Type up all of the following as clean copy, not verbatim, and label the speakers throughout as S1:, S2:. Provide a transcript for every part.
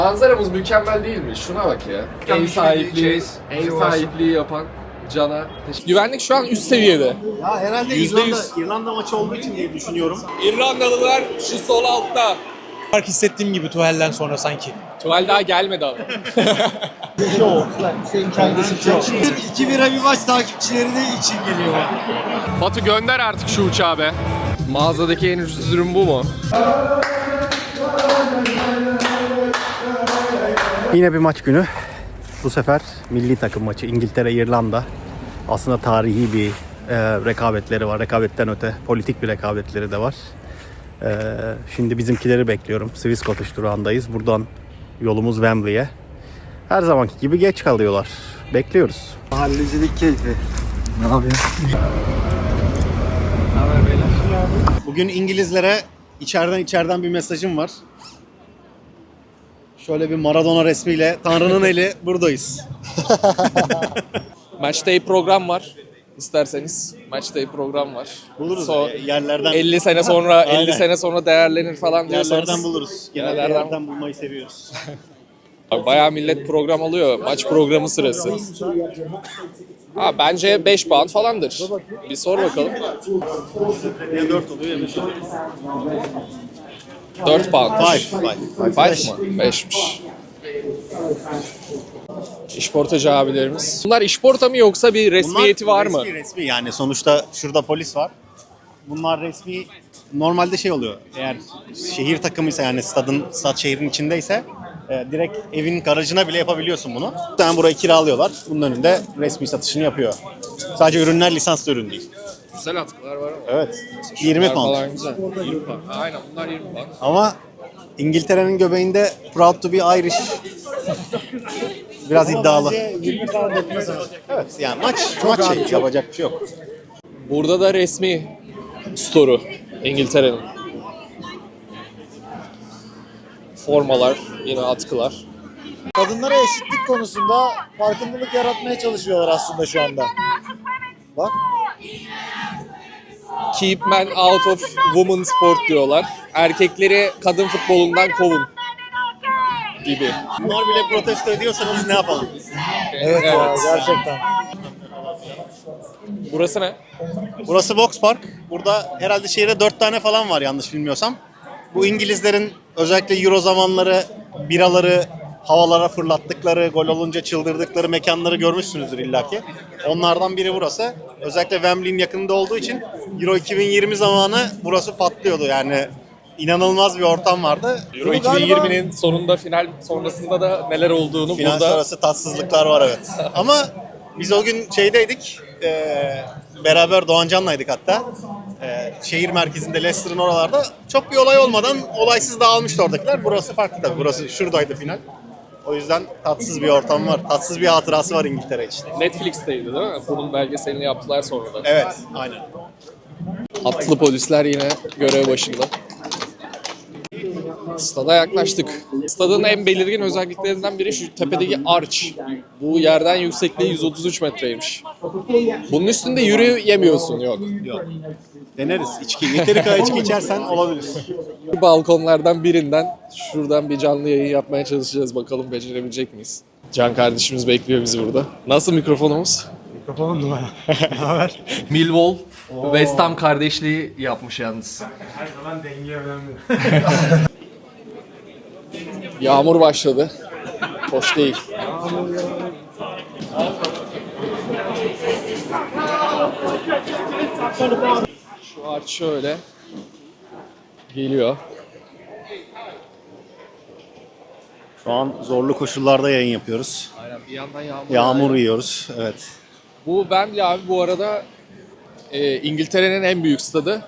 S1: Manzaramız mükemmel değil mi? Şuna bak ya. En sahipliği yapan Can'a teşekkür. Güvenlik şu an üst seviyede.
S2: Ya herhalde
S1: %100.
S2: İrlanda maçı olduğu için diye düşünüyorum.
S1: İrlandalılar şu sol altta.
S3: Fark hissettiğim gibi tuvalden sonra sanki.
S1: Tuval daha gelmedi abi.
S2: İki bira bir maç takipçileri de için geliyor.
S1: Batu gönder artık şu uçağı be. Mağazadaki en ucuz ürün bu mu?
S2: Yine bir maç günü. Bu sefer milli takım maçı İngiltere-İrlanda. Aslında tarihi bir rekabetleri var. Rekabetten öte politik bir rekabetleri de var. Şimdi bizimkileri bekliyorum. Swiss Cottage durağındayız. Buradan yolumuz Wembley'e. Her zamanki gibi geç kalıyorlar. Bekliyoruz.
S4: Mahallecilik keyfi. Ne yapıyorsun?
S2: Bugün İngilizlere içeriden bir mesajım var. Şöyle bir Maradona resmiyle Tanrı'nın eli buradayız.
S1: Match day program var. İsterseniz match day program var.
S2: Buluruz
S1: Yerlerden.
S2: 50
S1: 50 sene sonra değerlenir falan diyorsanız.
S2: Yerlerden buluruz. Genelde yerlerden bulmayı seviyoruz.
S1: Bayağı millet program alıyor. Maç programı sırası. Bence 5 pound falandır. Bir sor bakalım.
S2: Ya 4 oluyor ya 5 oluyor.
S1: 4 pound.
S2: 5
S1: mı? 5'miş. İşportacı abilerimiz. Bunlar işporta mı yoksa bir resmiyeti var mı?
S2: Resmi yani sonuçta şurada polis var. Bunlar resmi. Normalde şey oluyor. Eğer şehir takımıysa yani stad şehrin içindeyse direkt evin garajına bile yapabiliyorsun bunu. Bir tane burayı kiralıyorlar. Bunun önünde resmi satışını yapıyor. Sadece ürünler lisanslı ürün değil.
S1: Güzel atkılar var ama.
S2: Evet. 20
S1: Bunlar
S2: pound.
S1: falan güzel. 20 pound. Aynen bunlar 20 pound.
S2: Ama İngiltere'nin göbeğinde proud to be Irish biraz iddialı.
S4: 20 pound etmez abi.
S2: Evet yani maç şey yapacak bir şey yok.
S1: Burada da resmi store'u İngiltere'nin. Formalar, yine atkılar.
S4: Kadınlara eşitlik konusunda farkındalık yaratmaya çalışıyorlar aslında şu anda. Bak.
S1: Keep men out of women sport diyorlar. Erkekleri kadın futbolundan kovun gibi.
S2: Bunlar bile protesto ediyorsanız ne yapalım?
S4: Evet ya gerçekten.
S1: Burası ne?
S2: Burası Box Park. Burada herhalde şehirde 4 tane falan var yanlış bilmiyorsam. Bu İngilizlerin özellikle Euro zamanları biraları havalara fırlattıkları, gol olunca çıldırdıkları mekanları görmüşsünüzdür illaki. Onlardan biri burası. Özellikle Wembley'in yakınında olduğu için Euro 2020 zamanı burası patlıyordu yani. İnanılmaz bir ortam vardı.
S1: Euro 2020'nin sonunda, final sonrasında da neler olduğunu
S2: Final
S1: burada...
S2: sonrası tatsızlıklar var evet. Ama biz o gün şeydeydik, beraber Doğancan'laydık hatta. Şehir merkezinde Leicester'ın oralarda çok bir olay olmadan olaysız dağılmıştı oradakiler. Burası farklı tabii. Burası şuradaydı final. O yüzden tatsız bir ortam var. Tatsız bir hatırası var İngiltere için.
S1: Netflix'teydi değil mi? Bunun belgeselini yaptılar sonra da.
S2: Evet, aynen.
S1: Atlı polisler yine görev başında. Stada yaklaştık. Stadın en belirgin özelliklerinden biri şu tepedeki arch. Bu yerden yüksekliği 133 metreymiş. Bunun üstünde yürüyemiyorsun, yok.
S2: Yok. Deneriz. İçki. Yeteri kadar içki içersen olabilir.
S1: Balkonlardan birinden şuradan bir canlı yayın yapmaya çalışacağız. Bakalım becerebilecek miyiz? Can kardeşimiz bekliyor bizi burada. Nasıl mikrofonumuz?
S4: Mikrofonun numara. Ne haber?
S1: Millwall, West Ham kardeşliği yapmış yalnız.
S4: Her zaman denge önemli.
S1: Yağmur başladı. Hoş değil. Şu arç şöyle geliyor.
S2: Şu an zorlu koşullarda yayın yapıyoruz.
S1: Aynen, bir yandan
S2: Yağmur yiyoruz. Evet.
S1: Bu Wembley abi bu arada İngiltere'nin en büyük stadı.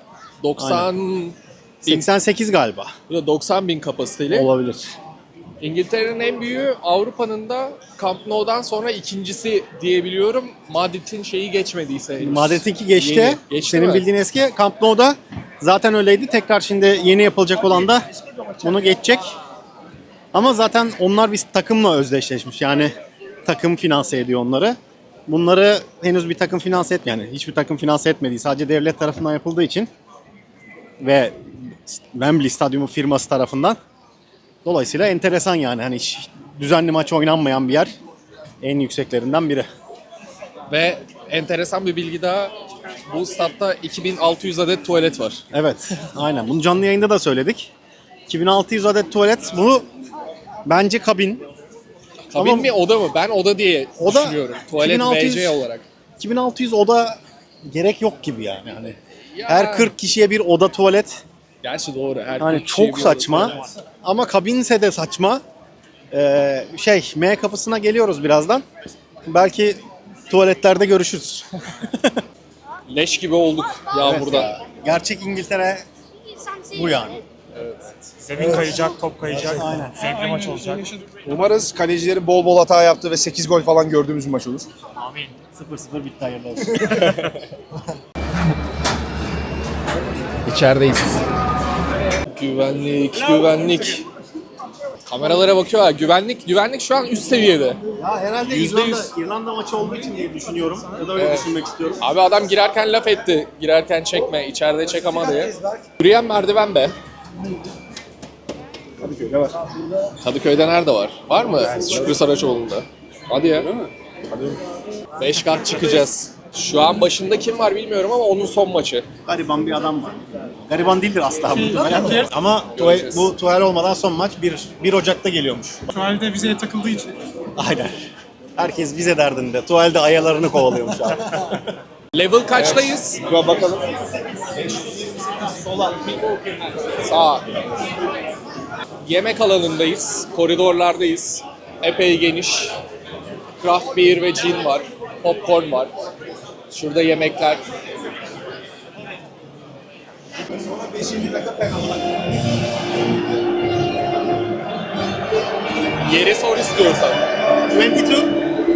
S2: 88 galiba.
S1: 90 bin kapasiteli.
S2: Olabilir.
S1: İngiltere'nin en büyüğü, Avrupa'nın da Camp Nou'dan sonra ikincisi diyebiliyorum. Madrid'in şeyi geçmediyse henüz.
S2: Madrid'inki geçti.
S1: Yeni. Geçti
S2: Senin
S1: mi?
S2: bildiğin eski Camp Nou'da zaten öyleydi. Tekrar şimdi yeni yapılacak olan da bunu geçecek. Ama zaten onlar bir takımla özdeşleşmiş. Yani takım finanse ediyor onları. Bunları henüz bir takım finanse etmiyor. Yani hiçbir takım finanse etmediği, sadece devlet tarafından yapıldığı için ve Wembley Stadyumu firması tarafından Dolayısıyla enteresan yani. Hani hiç düzenli maç oynanmayan bir yer. En yükseklerinden biri.
S1: Ve enteresan bir bilgi daha. Bu statta 2600 adet tuvalet var.
S2: Evet, aynen. Bunu canlı yayında da söyledik. 2600 adet tuvalet. Bu bence kabin.
S1: Kabin
S2: Ama-
S1: mi oda mı? Ben oda diye
S2: Oda,
S1: düşünüyorum. Tuvalet
S2: 2600
S1: BC olarak.
S2: 2600 oda gerek yok gibi yani. Hani
S1: Ya.
S2: her 40 kişiye bir oda tuvalet.
S1: Gerçi doğru. Her
S2: Yani
S1: bir kişiye
S2: çok
S1: bir oda
S2: saçma.
S1: tuvalet.
S2: Ama kabinse de saçma. M kapısına geliyoruz birazdan. Belki tuvaletlerde görüşürüz.
S1: Leş gibi olduk yağmurda.
S2: Evet ya. Gerçek İngiltere bu yani.
S3: Zemin kayacak, top kayacak.
S2: Aynen.
S3: Zevkli maç olacak.
S5: Umarız kalecilerin bol bol hata yaptığı ve 8 gol falan gördüğümüz bir maç olur.
S2: 0-0 bitti, hayırlı olsun.
S1: İçerideyiz. Güvenlik. Kameralara bakıyorlar. Güvenlik şu an üst seviyede.
S2: Ya herhalde
S1: %100.
S2: İrlanda maçı olduğu için diye düşünüyorum. Ya da öyle düşünmek istiyorum.
S1: Abi adam girerken laf etti. Girerken çekme, içeride çek ama diye. Yürüyen merdiven be.
S5: Kadıköy'de var.
S1: Kadıköy'de nerede var? Var mı? Şükrü Saraçoğlu'nda. Hadi ya. 5 kat çıkacağız. Şu an başında kim var bilmiyorum ama onun son maçı.
S2: Gariban bir adam var. Gariban değildir asla muhtemelen. Ama bu Tuhal olmadan son maç 1 Ocak'ta geliyormuş.
S3: Tuvalde vizeye takıldığı için.
S2: Aynen. Herkes vize derdinde. Tuvalde ayalarını kovalıyormuş abi.
S1: Level kaçtayız?
S5: Şuna bakalım.
S1: Sağ. Yemek alanındayız. Koridorlardayız. Epey geniş. Craft beer ve gin var. Popcorn var. Şurada yemekler. Yeri sor istiyorsan.
S2: 22.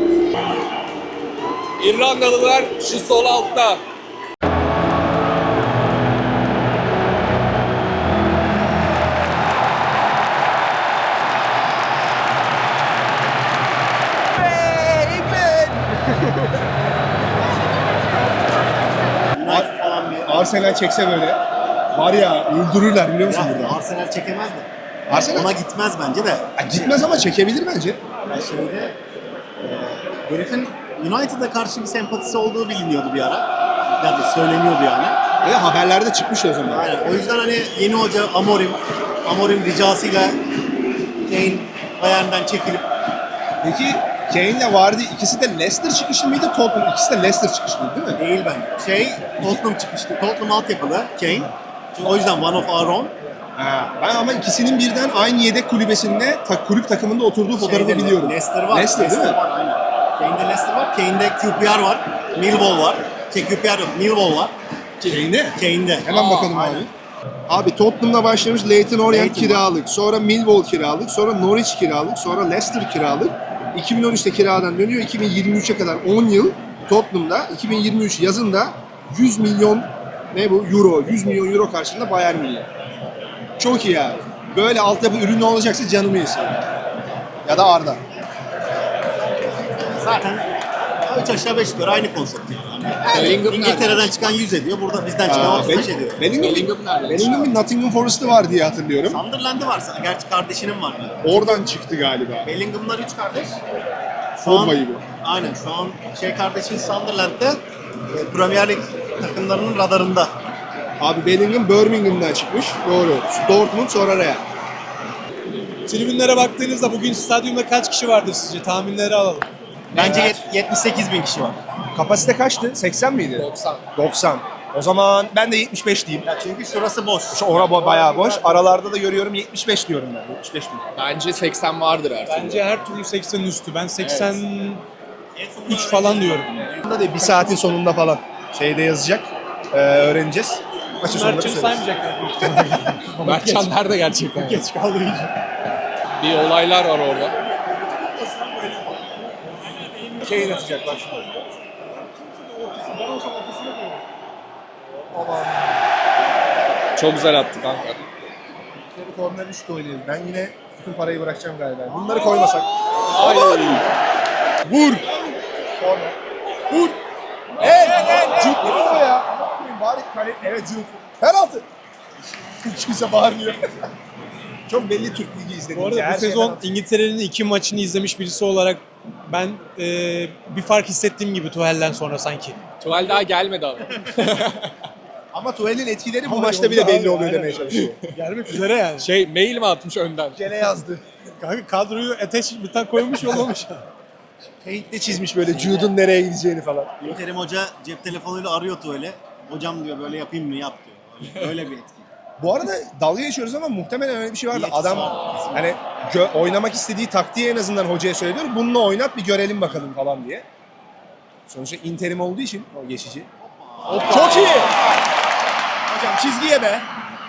S1: İrlandalılar şu sol altta.
S2: falan bir...
S5: Arsenal çekse böyle var ya öldürürler biliyor musun burada?
S2: Arsenal çekemez mi?
S5: Arsenal
S2: Ona gitmez bence de.
S5: gitmez ama çekebilir bence.
S2: Yani şeyde herifin United'a karşı bir sempatisi olduğu biliniyordu bir ara. Ya da söyleniyordu yani.
S5: Ve haberlerde çıkmış o zaman.
S2: Aynen. O yüzden hani yeni hoca Amorim ricasıyla Kane Bayern'den çekilip
S5: Peki Kane'le vardı ikisi de Leicester çıkışlı mıydı? Tottenham ikisi de Leicester çıkışlı değil mi?
S2: değil bence. Tottenham çıkmıştı. Tottenham altyapılı Kane. O yüzden one of our own.
S5: Ben ama ikisinin birden aynı yedek kulübesinde kulüp takımında oturduğu fotoğrafı biliyorum.
S2: Leicester var.
S5: Leicester değil mi?
S2: Var aynen. Kane'de Leicester var. Kane'de QPR var. Millwall var. QPR yok. Millwall var.
S5: Kane'de.
S2: Kane'de.
S5: Hemen bakalım
S2: aynen.
S5: abi. Abi Tottenham'da başlamış Leyton Orient
S2: Leyton var.
S5: kiralık, sonra Millwall kiralık, sonra Norwich kiralık, sonra Leicester kiralık. 2013'te kiradan dönüyor. 2023'e kadar 10 yıl Tottenham'da. 2023 yazında 100 milyon euro 100 milyon euro karşılığında Bayern Münih. Çok iyi abi. Böyle altyapı ürünü olacaksa canımı yesin. Ya da Arda.
S2: Zaten 3 aşağı 5 yukarı aynı konsept. Yani
S1: Bellingham
S2: İngiltere'den çıkan 100 ediyor. Burada bizden çıkan 35 ediyor.
S1: Bellingham nereden
S5: Bellingham bir Nottingham Forest'ı var diye hatırlıyorum.
S2: Sunderland'ı varsa, gerçi kardeşinin var.
S5: Oradan çıktı galiba.
S2: Bellingham'lar 3 kardeş.
S5: Pogba bu.
S2: Aynen şu an kardeşin Sunderland'de Premier Lig takımlarının radarında.
S5: Abi Bellingham Birmingham'dan çıkmış. Doğru. Dortmund sonra Real.
S3: Tribünlere baktığınızda bugün stadyumda kaç kişi vardır sizce? Tahminleri alalım.
S2: Bence 78 bin kişi var.
S5: Kapasite kaçtı? 80 miydi?
S1: 90.
S5: 90. O zaman ben de 75 diyeyim.
S2: Ya çünkü şurası boş.
S5: Bayağı boş. Aralarda da görüyorum 75 diyorum ben. 75 bin.
S1: Bence 80 vardır artık.
S3: Bence her türlü 80'in üstü. Ben 83 falan diyorum.
S5: Bunda da bir saatin sonunda falan şeyde yazacak. Öğreneceğiz. Maçın sonunda
S3: Mertcan'ı
S5: söyleriz.
S3: saymayacaklar.
S1: Mertcan nerede gerçekten?
S3: Geç kaldığı için.
S1: Bir olaylar var orada.
S5: Kane atacak bak şimdi.
S1: Çok güzel attı kanka.
S5: Korner üstü oynuyoruz. Ben yine bütün parayı bırakacağım galiba. Bunları koymasak. Vur! Korner. Vur! Cuk vuruyor ya. Bari kale... Evet Cuk. Penaltı. Kimse bağırmıyor. Çok belli Türk Ligi
S3: Bu
S5: izlediğimiz.
S3: arada
S5: her
S3: bu
S5: şeyden
S3: sezon
S5: atıyor.
S3: İngiltere'nin 2 maçını izlemiş birisi olarak ben bir fark hissettiğim gibi Tuhel'den sonra sanki.
S1: Tuval daha gelmedi abi.
S5: Ama Tuhel'in etkileri bu
S3: Ama
S5: maçta
S3: yolda
S5: bile belli
S3: abi,
S5: oluyor
S3: aynen.
S5: demeye çalışıyor.
S3: Gelmek üzere yani.
S1: Mail mi atmış önden?
S5: Gene yazdı.
S3: Kanka kadroyu bir tane koymuş yollamış.
S5: Paint'le çizmiş böyle Jude'un nereye gideceğini falan.
S2: Terim Hoca cep telefonuyla arıyor öyle. Hocam diyor böyle yapayım mı yap diyor. Öyle bir etki.
S5: Bu arada dalga geçiyoruz ama muhtemelen öyle bir şey vardı.
S2: Niyetisi
S5: Adam
S2: var, kesinlikle.
S5: hani oynamak istediği taktiği en azından hocaya söylüyor. Bununla oynat bir görelim bakalım falan diye. Sonuçta interim olduğu için o geçici. Çok iyi. Hocam çizgiye be.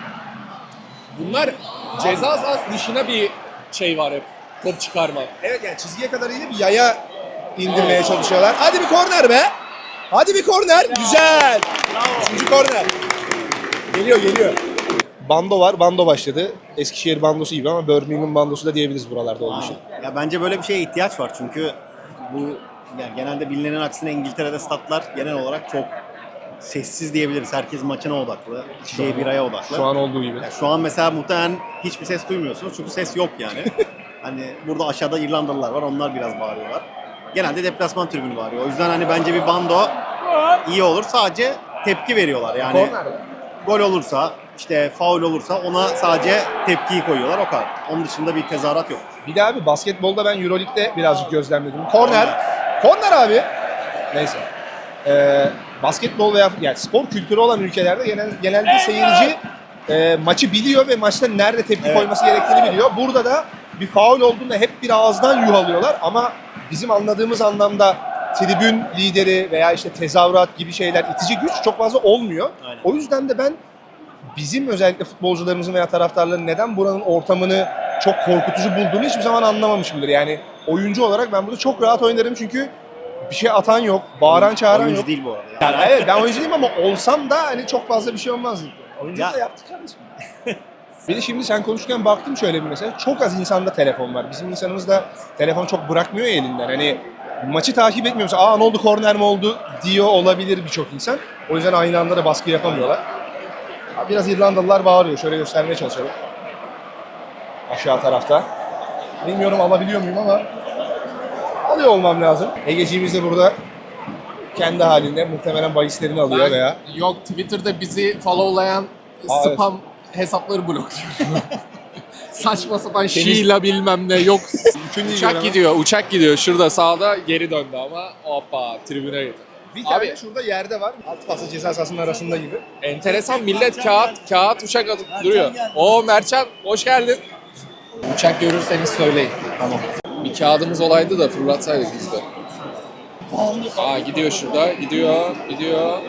S1: Bunlar ceza sahası dışına bir şey var hep. Top çıkarma.
S5: Evet yani çizgiye kadar inip bir yaya indirmeye çalışıyorlar. Hadi bir korner be. Hadi bir korner. Güzel. Üçüncü korner. Geliyor. Bando var. Bando başladı. Eskişehir bandosu gibi ama Birmingham bandosu da diyebiliriz buralarda olduğu için.
S2: Ya bence böyle bir şeye ihtiyaç var çünkü bu yani genelde bilinenin aksine İngiltere'de statlar genel olarak çok sessiz diyebiliriz. Herkes maçına odaklı, içeceği biraya odaklı.
S5: Şu an olduğu gibi.
S2: Ya şu an mesela muhtemelen hiçbir ses duymuyorsunuz çünkü ses yok yani. Hani burada aşağıda İrlandalılar var, onlar biraz bağırıyorlar. Genelde deplasman tribünü bağırıyor. O yüzden hani bence bir bando iyi olur. Sadece tepki veriyorlar yani.
S5: Korner.
S2: Gol olursa, işte faul olursa ona sadece tepkiyi koyuyorlar o kadar. Onun dışında bir tezahürat yok.
S5: Bir de abi basketbolda ben Euroleague'de birazcık gözlemledim. Korner abi. Neyse. Basketbol veya yani spor kültürü olan ülkelerde genelde seyirci maçı biliyor ve maçta nerede tepki koyması gerektiğini biliyor. Burada da bir faul olduğunda hep bir ağızdan yuhalıyorlar ama bizim anladığımız anlamda tribün lideri veya işte tezahürat gibi şeyler, itici güç çok fazla olmuyor.
S2: Aynen.
S5: O yüzden de ben bizim özellikle futbolcularımızın veya taraftarların neden buranın ortamını çok korkutucu bulduğunu hiçbir zaman anlamamışımdır. Yani oyuncu olarak ben burada çok rahat oynarım çünkü bir şey atan yok, bağıran çağıran
S2: Oyuncu
S5: yok.
S2: değil bu arada.
S5: Yani evet ben oyuncu değilim ama olsam da hani çok fazla bir şey olmaz. Oyuncu
S2: Ya-
S5: da yaptık kardeşim. Bir de şimdi sen konuşurken baktım şöyle bir mesela. Çok az insanda telefon var. Bizim insanımız da telefon çok bırakmıyor ya elinden. Hani maçı takip etmiyorsa aa ne oldu korner mi oldu diyor olabilir birçok insan. O yüzden aynı anda da baskı yapamıyorlar. Biraz İrlandalılar bağırıyor. Şöyle göstermeye çalışalım. Aşağı tarafta. Bilmiyorum alabiliyor muyum ama alıyor olmam lazım. Egeciğimiz de burada kendi halinde muhtemelen bahislerini alıyor veya
S1: Yok, Twitter'da bizi followlayan
S5: Aa, evet.
S1: spam hesapları blokluyor. Saçma sapan Sheila bilmem ne yok. Uçak gidiyor. Şurada sağda geri döndü ama hoppa tribüne gitti.
S5: Bir tane
S1: Abi
S5: şurada yerde var. Alt pası ceza sahasının arasında gibi.
S1: enteresan, millet kağıt uçak atıp duruyor. Mertcan hoş geldin. Uçak görürseniz söyleyin. Tamam. Bir kağıdımız olaydı da fırlatsaydık biz de. Gidiyor şurada. Gidiyor.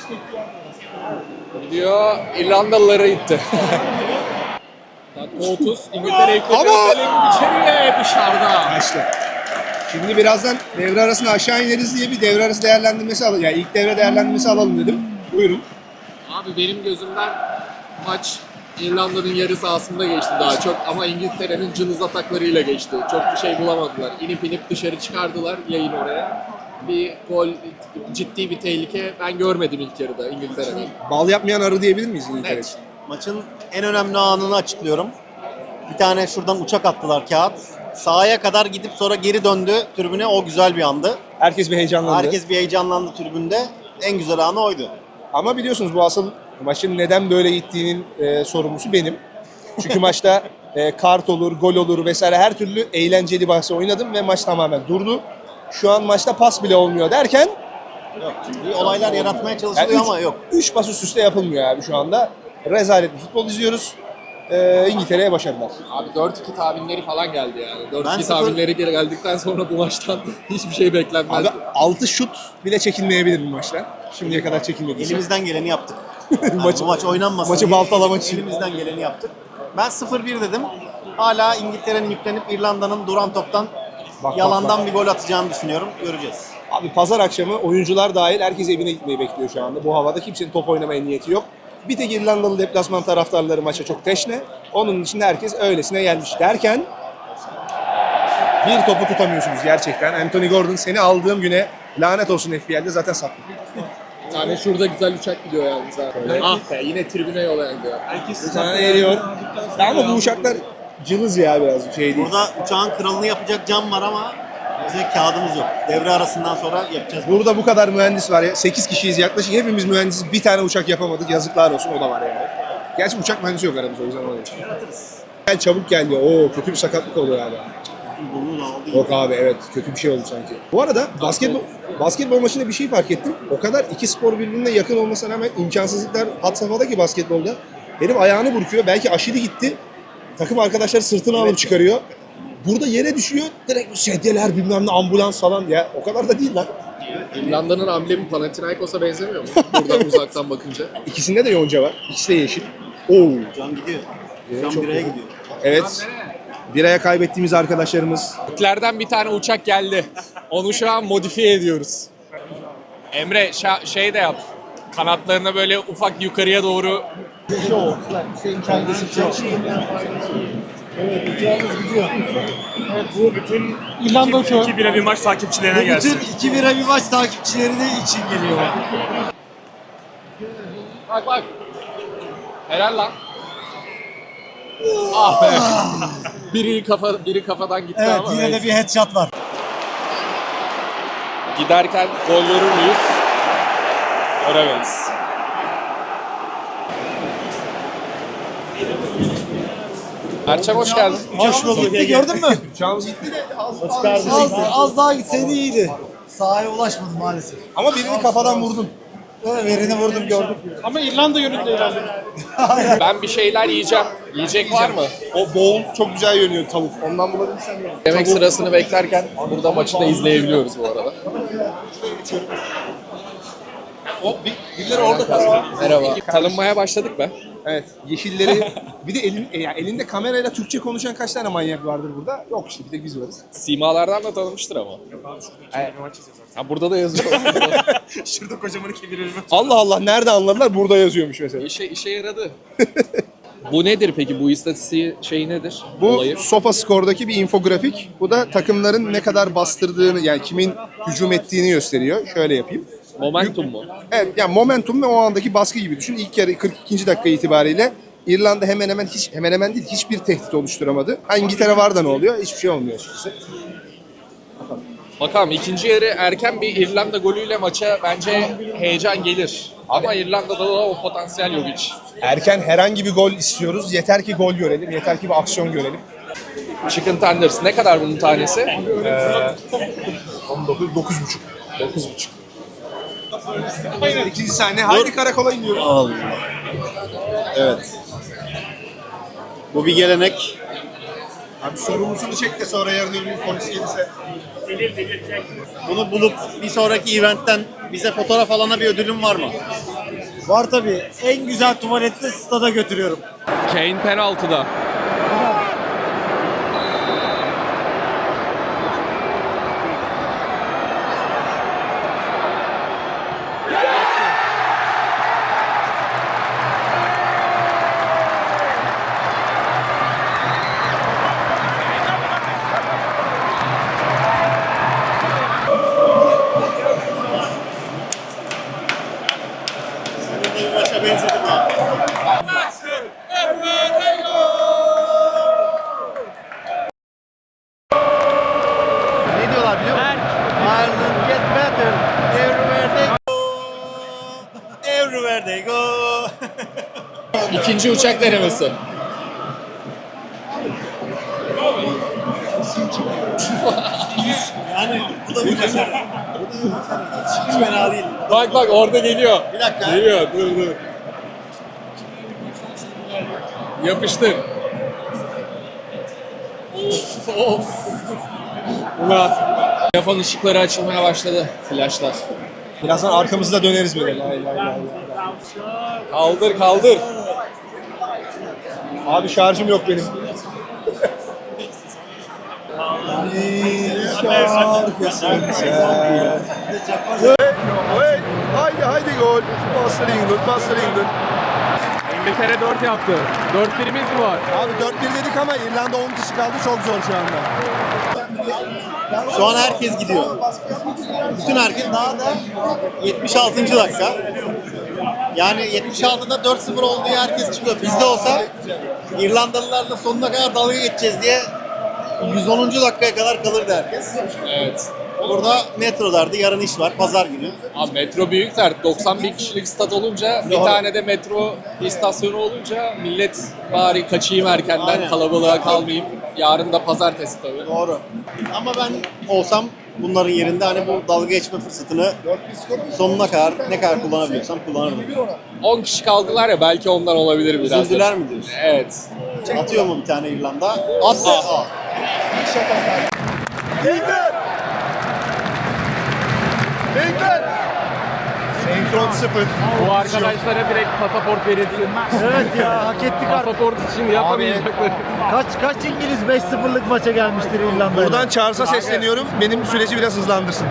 S1: İrlandalılara itti. Dakika 30. İngiltere'yi koyuyor. İçeriye dışarıda.
S5: İşte. Şimdi birazdan devre arasında aşağı ineriz diye bir devre arası değerlendirmesi alalım. Yani ilk devre değerlendirmesi alalım dedim. Buyurun.
S1: Abi benim gözümden maç İrlanda'nın yarı sahasında geçti daha çok ama İngiltere'nin cılız ataklarıyla geçti. Çok bir şey bulamadılar. İnip dışarı çıkardılar yayın oraya. Bir gol, ciddi bir tehlike ben görmedim ilk yarıda İngiltere'nin.
S5: Bal yapmayan arı diyebilir miyiz İngiltere
S1: Evet.
S5: için?
S2: Maçın en önemli anını açıklıyorum. Bir tane şuradan uçak attılar kağıt. Sahaya kadar gidip sonra geri döndü tribüne. O güzel bir andı.
S5: Herkes bir heyecanlandı.
S2: Herkes bir heyecanlandı tribünde. En güzel anı oydu.
S5: Ama biliyorsunuz bu asıl maçın neden böyle gittiğinin sorumlusu benim. Çünkü maçta kart olur, gol olur vesaire her türlü eğlenceli bahsi oynadım ve maç tamamen durdu. Şu an maçta pas bile olmuyor derken
S2: Yok, çünkü olaylar yaratmaya çalışılıyor ama yok.
S5: 3 pas üst üste yapılmıyor abi şu anda. Rezalet bir futbol izliyoruz. İngiltere'ye başarılar.
S1: Abi 4-2 tahminleri falan geldi yani.
S2: Ben
S1: 4-2
S2: sıfır-
S1: tahminleri geldikten sonra bu maçtan hiçbir şey beklenmezdi.
S5: Abi 6 şut bile çekilmeyebilir bu maçta. Şimdiye kadar çekilmedi.
S2: Elimizden geleni yaptık. Yani
S5: Maçı-
S2: bu maç oynanmasın
S5: maçı
S2: diye
S5: baltalamak için.
S2: elimizden geleni yaptık. Ben 0-1 dedim. Hala İngiltere'nin yüklenip İrlanda'nın duran toptan
S5: Bak,
S2: yalandan
S5: bak.
S2: bir gol atacağını düşünüyorum. Göreceğiz.
S5: Abi pazar akşamı oyuncular dahil herkes evine gitmeyi bekliyor şu anda. Bu havada kimsenin top oynamaya niyeti yok. Bir tek İrlandalı deplasman taraftarları maça çok teşne. Onun için herkes öylesine gelmiş derken bir topu tutamıyorsunuz gerçekten. Anthony Gordon seni aldığım güne lanet olsun FPL'de zaten sattı.
S1: Bir tane şurada güzel uçak gidiyor yalnız abi. Ah be yine tribüne yola gidiyor.
S3: Herkes
S5: Bir tane eriyor. Ama bu uçaklar cılız ya biraz şey değil.
S2: Burada uçağın kralını yapacak cam var ama bize kağıdımız yok. Devre arasından sonra yapacağız.
S5: Burada bu kadar mühendis var ya. 8 kişiyiz yaklaşık. Hepimiz mühendisiz. Bir tane uçak yapamadık. Yazıklar olsun, o da var yani. Gerçi uçak mühendisi yok aramızda, o yüzden oluyor. Gel çabuk geldi. Oo, kötü bir sakatlık oldu galiba.
S2: Bunu da aldı.
S5: Yok abi, evet, kötü bir şey oldu sanki. Bu arada basketbol maçında bir şey fark ettim. O kadar iki spor birbirine yakın olmasına rağmen imkansızlıklar had safhada ki basketbolda. Herif ayağını burkuyor. Belki aşırı gitti. Takım arkadaşları sırtını alıp çıkarıyor. Burada yere düşüyor. Direkt bu sedyeler bilmem ne, ambulans falan. Ya o kadar da değil lan.
S1: İrlanda'nın amblemi Panathinaikos'a benzemiyor mu? Buradan uzaktan bakınca.
S5: İkisinde de yonca var. İkisi de yeşil. Oo.
S2: Cam gidiyor.
S5: çok
S2: Cam biraya
S5: iyi.
S2: gidiyor.
S5: Evet. Biraya kaybettiğimiz arkadaşlarımız.
S1: Türklerden bir tane uçak geldi. Onu şu an modifiye ediyoruz. Emre şey de yap. Kanatlarına böyle ufak yukarıya doğru.
S4: Evet, uçağımız gidiyor. Evet, bu bütün İrlanda uçağı.
S6: 2-1'e bir maç takipçilerine gelsin.
S4: Bütün 2-1'e bir maç takipçileri de için geliyor.
S1: Bak. Helal lan. Ah be. Biri kafadan gitti
S4: Evet,
S1: ama.
S4: yine de bir headshot var.
S1: Giderken gol görür müyüz? Göremeyiz. Erçem hoş geldin.
S4: Hoş bulduk. Gitti, gördün mü?
S5: Uçağımız gitti de
S4: Az daha gitseydi iyiydi. Sahaya ulaşmadı maalesef.
S5: ama birini kafadan vurdun.
S4: Evet, verini vurdum, gördüm.
S3: Ama İrlanda yönünde ilerledi.
S1: Ben bir şeyler yiyeceğim. Yiyecek var mı?
S5: O boğul çok güzel yönüyor tavuk. Ondan bulabilirsen ya.
S1: Yemek sırasını beklerken burada maçı da izleyebiliyoruz bu arada.
S5: Birileri orada kalsın.
S1: Merhaba. Tanınmaya başladık be.
S5: Evet, yeşilleri. Bir de elinde kamerayla Türkçe konuşan kaç tane manyak vardır burada? Yok işte, bir tek biz varız.
S1: Simalardan da tanımıştır ama. Ha, burada da yazıyor.
S6: Şurada kocaman 2-1'e bir maç.
S5: Allah Allah, nerede anladılar? Burada yazıyormuş mesela.
S1: işe yaradı. Bu nedir peki? Bu istatistiği şey nedir?
S5: Bu
S1: Olayı.
S5: SofaScore'daki bir infografik. Bu da takımların ne kadar bastırdığını, yani kimin hücum ettiğini gösteriyor. Şöyle yapayım.
S1: Momentum mu?
S5: Evet, yani momentum ve o andaki baskı gibi düşün. İlk yarı 42. dakika itibariyle İrlanda hemen hemen değil, hiçbir tehdit oluşturamadı. Ha, İngiltere var da ne oluyor? Hiçbir şey olmuyor açıkçası.
S1: Bakalım ikinci yarı erken bir İrlanda golüyle maça bence heyecan gelir. Ama İrlanda'da da o potansiyel yok hiç.
S5: Erken herhangi bir gol istiyoruz. Yeter ki gol görelim. Yeter ki bir aksiyon görelim.
S1: Chicken tenders ne kadar bunun tanesi?
S5: 19, 9,5.
S1: 9,5.
S5: İkinci sahne. Haydi karakola iniyoruz.
S2: Allah. Evet. Bu bir gelenek.
S5: Abi sorumlusunu çek de sonra yarın öbür gün polis gelirse.
S2: Bunu bulup bir sonraki eventten bize fotoğraf alana bir ödülüm var mı?
S4: Var tabii. En güzel tuvalette stada götürüyorum.
S1: Kane penaltıda.
S2: Bir maça benzedim ha. Ne diyorlar biliyor musun? Ireland get better everywhere they go. Everywhere they go.
S1: İkinci uçak denemesi.
S2: Yani bu da bir başarı. Hiç fena değil.
S1: Bak orada geliyor.
S2: Bir dakika.
S1: Geliyor dur. Yapıştır. Of. Ulan. Telefon ışıkları açılmaya başladı. Flashlar.
S5: Birazdan arkamızda döneriz böyle. Lay lay lay.
S1: Kaldır.
S5: Abi şarjım yok benim. Haydi gol. Bastır England.
S1: İngiltere 4 yaptı. 4-1'imiz mi var?
S5: Abi 4-1 dedik ama İrlanda 10 kişi kaldı, çok zor şu anda.
S2: Şu an herkes gidiyor. Bütün herkes daha da 76. dakika. Yani 76 66'da 4-0 olduğu herkes çıkıyor. Bizde olsa İrlandalılarla sonuna kadar dalga geçeceğiz diye 110. dakikaya kadar kalırdı herkes.
S1: Evet.
S2: Burada metro derdi, yarın iş var, pazar günü.
S1: Abi metro büyük dert. 90 bin kişilik stat olunca, bir tane de metro istasyonu olunca millet bari kaçayım erkenden,
S2: Aynen.
S1: kalabalığa kalmayayım. Yarın da pazartesi tabii.
S2: Doğru. Ama ben olsam bunların yerinde hani bu dalga geçme fırsatını sonuna kadar ne kadar kullanabiliyorsam kullanırdım.
S1: 10 kişi kaldılar ya, belki ondan olabilir biraz. da.
S2: Üzüldüler mi diyorsun?
S1: Evet.
S2: Atıyor mu bir tane İrlanda? Attı. Aa.
S5: Senkron 0.
S1: Bu arkadaşlara direkt pasaport verilsin.
S4: Evet ya, hak ettik artık.
S1: Pasaport için yapamayacakları.
S4: Kaç İngiliz 5-0'lık maça gelmiştir İrlanda'ya?
S5: Buradan Charles'a sesleniyorum. Benim süreci biraz hızlandırsın.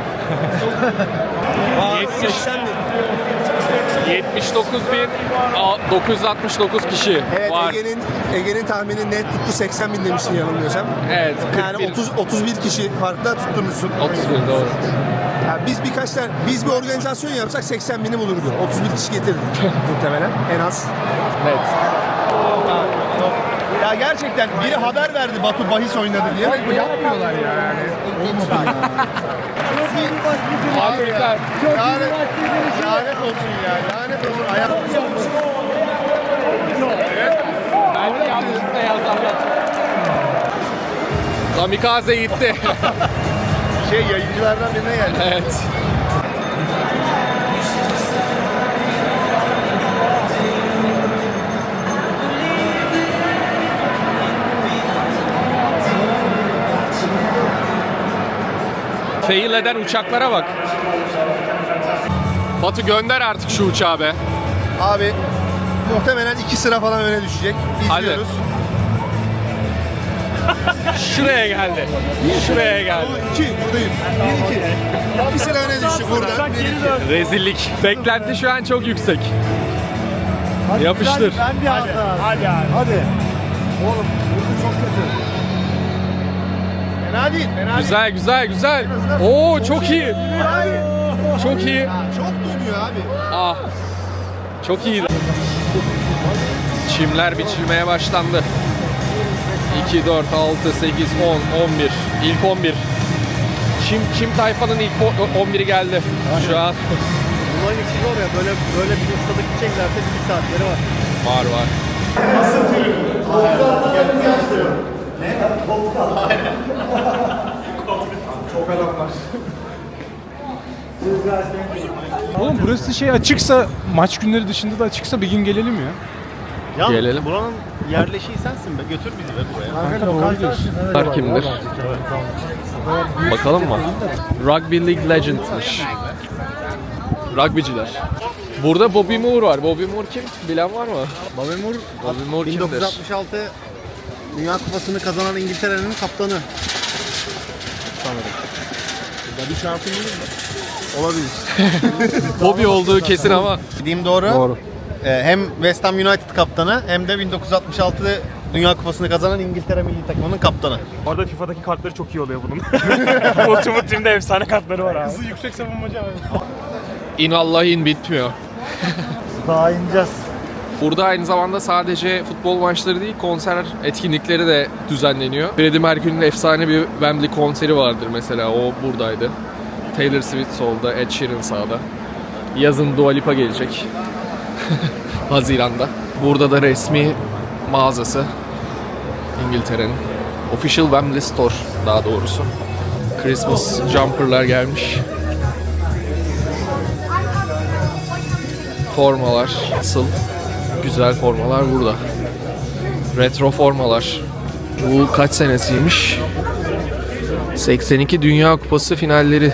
S1: 79.969 kişi
S5: Evet,
S1: var.
S5: Ege'nin tahmini net tuttu, 80 bin demiştin yanılmıyorsam.
S1: Evet.
S5: Yani 31 kişi farkla tutturmuşsun.
S1: 31 doğru.
S5: Yani biz bir organizasyon yapsak 80 bini bulurdu. 31 kişi getirdik muhtemelen en az.
S1: Evet.
S5: Ya gerçekten biri haber verdi Batu bahis oynadı diye. Bu yapmıyorlar ya yani.
S1: Harika.
S5: Lanet olsun ya. Lanet olsun.
S1: Belki yanlışlıkla yazarlar. Kamikaze gitti.
S5: Yayıncılardan birine geldi.
S1: Evet. Fail eden uçaklara bak. Batu gönder artık şu uçağı be.
S5: Abi muhtemelen 2 sıra falan öne düşecek.
S1: Hadi.
S5: İzliyoruz.
S1: Şuraya geldi. Şuraya geldi.
S5: 2 buradayım. 1-2. 2 sıra öne düştü burada.
S1: Rezillik. Beklenti şu an çok yüksek.
S4: Hadi
S1: Yapıştır.
S4: güzel, ben bir hata.
S6: Hadi abi.
S4: Hadi. Oğlum burada çok kötü.
S5: Fena değil. Fena değil.
S1: Güzel güzel güzel. Oo çok iyi. Çok iyi.
S5: Çok dönüyor abi.
S1: Ah. Çok iyi. Çimler biçilmeye başlandı. 2, 4, 6, 8, 10, 11. İlk 11. Çim tayfanın ilk 11'i geldi. Şu an
S4: Bunların işi zor ya. Böyle bir ustada gideceklerse 1 saatleri var.
S1: var var.
S6: Oğlum burası şey açıksa, maç günleri dışında da açıksa bir gün gelelim ya.
S2: Ya
S1: Gelelim.
S2: buranın yerleşiği sensin be. Götür bizi be buraya.
S4: Kanka lokasyonsün. Evet,
S1: Bunlar kimdir? Bakalım mı? Rugby League Legends'mış. Rugbyciler. Burada Bobby Moore var. Bobby Moore kim? Bilen var mı?
S2: Bobby Moore,
S1: Bobby Moore kimdir?
S2: 1966 Dünya Kupası'nı kazanan İngiltere'nin kaptanı. Sanırım. Bobby Charlton değil mi? Olabilir.
S1: Bobby olduğu kesin ama.
S2: Dediğim doğru.
S1: Doğru.
S2: Hem West Ham United kaptanı hem de 1966 Dünya Kupası'nı kazanan İngiltere milli takımının kaptanı.
S6: Orada FIFA'daki kartları çok iyi oluyor bunun. Ultimate Team'de efsane kartları var abi. Hızlı yüksek savunmacı abi.
S1: İnallahin bitmiyor.
S4: Daha ineceğiz.
S1: Burada aynı zamanda sadece futbol maçları değil, konser etkinlikleri de düzenleniyor. Freddie Mercury'nin efsane bir Wembley konseri vardır mesela, o buradaydı. Taylor Swift solda, Ed Sheeran sağda. Yazın Dua Lipa gelecek. Haziran'da. Burada da resmi mağazası. İngiltere'nin. Official Wembley Store daha doğrusu. Christmas jumper'lar gelmiş. Formalar asıl. Güzel formalar burada. Retro formalar. Bu kaç senesiymiş? 82 Dünya Kupası finalleri.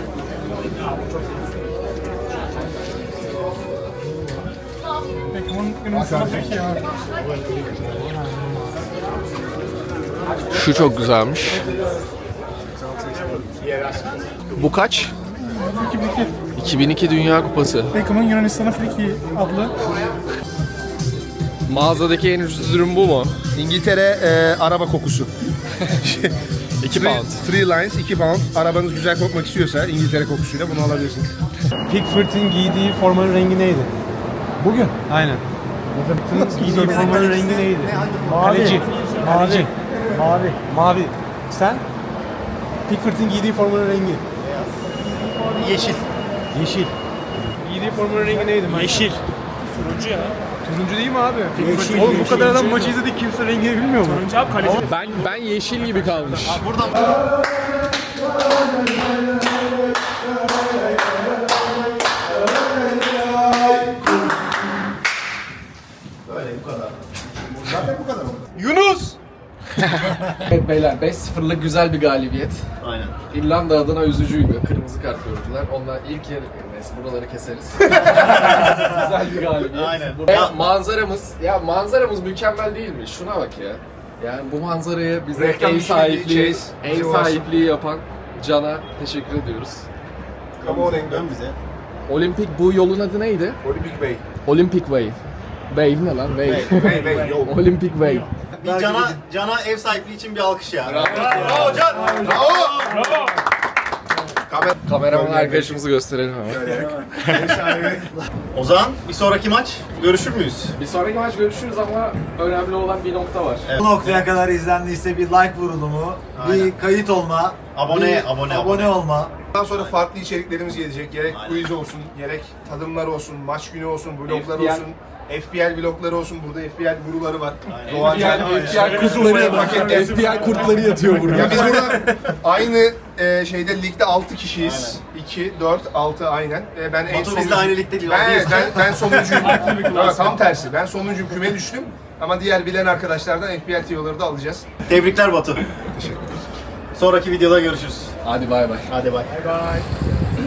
S1: Şu çok güzelmiş. Bu kaç? 2002 Dünya Kupası.
S6: Beckham'ın Yunanistan'a Friki adlı.
S1: Mağazadaki en ucuz ürün bu mu?
S5: İngiltere araba kokusu.
S1: 2 pound.
S5: 3 lines 2 pound. Arabanız güzel kokmak istiyorsa İngiltere kokusuyla bunu alabilirsiniz.
S3: Pickford'un giydiği formanın rengi neydi? Bugün. Aynen. Giydiği formanın rengi neydi? Kaleci. Kaleci.
S4: Mavi.
S3: Mavi. Sen? Pickford'un giydiği formanın rengi.
S2: Yeşil.
S3: Yeşil. Giydiği formanın rengi neydi?
S6: Yeşil. Turuncu ya.
S3: Turuncu değil mi abi?
S4: Yeşil,
S3: Oğlum bu
S4: yeşil,
S3: kadar adam
S4: yeşil.
S3: maçı izledik kimse rengini bilmiyor mu?
S6: Turuncu abi kaleci.
S1: Ben yeşil gibi kalmış.
S2: Buradan
S3: Yunus!
S1: Evet beyler 5-0'lık güzel bir galibiyet.
S2: Aynen.
S1: İrlanda adına üzücüydü. Kırmızı kart gördüler. Onlar ilk yarı neyse buraları keseriz. Güzel bir galibiyet.
S2: Aynen.
S1: Ve manzaramız mükemmel değil mi? Şuna bak ya. Yani bu manzaraya bize
S5: Reklam
S1: ev
S5: işi
S1: sahipliği,
S5: diyeceğiz.
S1: ev
S5: Bize ulaşsın.
S1: sahipliği yapan Can'a teşekkür ediyoruz.
S5: Come on England.
S2: Dön bize.
S1: Olimpik bu yolun adı neydi?
S5: Olympic Bey.
S1: Olympic Wave. Wave ne lan? Wave.
S5: Bey yol.
S1: Olympic Wave.
S2: Bir Can'a ev sahipliği için bir alkış ya. Bravo Can.
S1: Kameraman arkadaşımızı gösterelim hemen.
S2: O zaman bir sonraki maç görüşür müyüz?
S1: Bir sonraki maç görüşürüz ama önemli olan bir nokta var.
S4: Bu noktaya kadar izlendiyse bir like vurulumu,
S2: Aynen.
S4: bir kayıt olma,
S2: Abone
S4: olma.
S5: Bundan sonra farklı içeriklerimiz gelecek. Gerek quiz olsun, gerek tadımlar olsun, maç günü olsun, vloglar
S1: FPL.
S5: olsun. FPL vlogları olsun. Burada FPL guruları var.
S2: Aynen.
S5: Doğan Can.
S1: FBI kurtları, FBI kurtları yatıyor burada.
S5: Ya biz burada aynı şeyde ligde 6 kişiyiz. 2, 4, 6 aynen. Ben en
S2: Batu biz de aynı ligde değil.
S5: Ben sonuncuyum. Evet, tam tersi. Ben sonuncuyum. Küme düştüm. Ama diğer bilen arkadaşlardan FPL tiyoları da alacağız.
S2: Tebrikler Batu. Sonraki videoda görüşürüz.
S1: Hadi bay bay.
S2: Hadi bay.